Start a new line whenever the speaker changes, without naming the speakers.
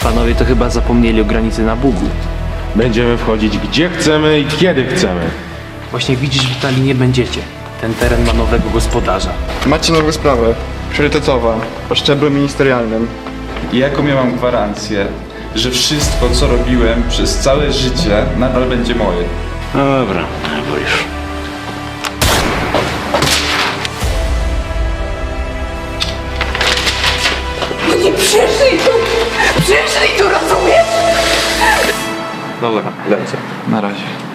Panowie to chyba zapomnieli o granicy na Bugu.
Będziemy wchodzić gdzie chcemy i kiedy chcemy.
Właśnie widzisz, Witali, nie będziecie. Ten teren ma nowego gospodarza.
Macie nową sprawę, priorytetowa, o szczeblu ministerialnym.
I jaką ja mam gwarancję, że wszystko, co robiłem przez całe życie, nadal będzie moje?
Dobra, bo już.
Oni przyszli tu, rozumiesz?
Dobra, lecę. Na razie.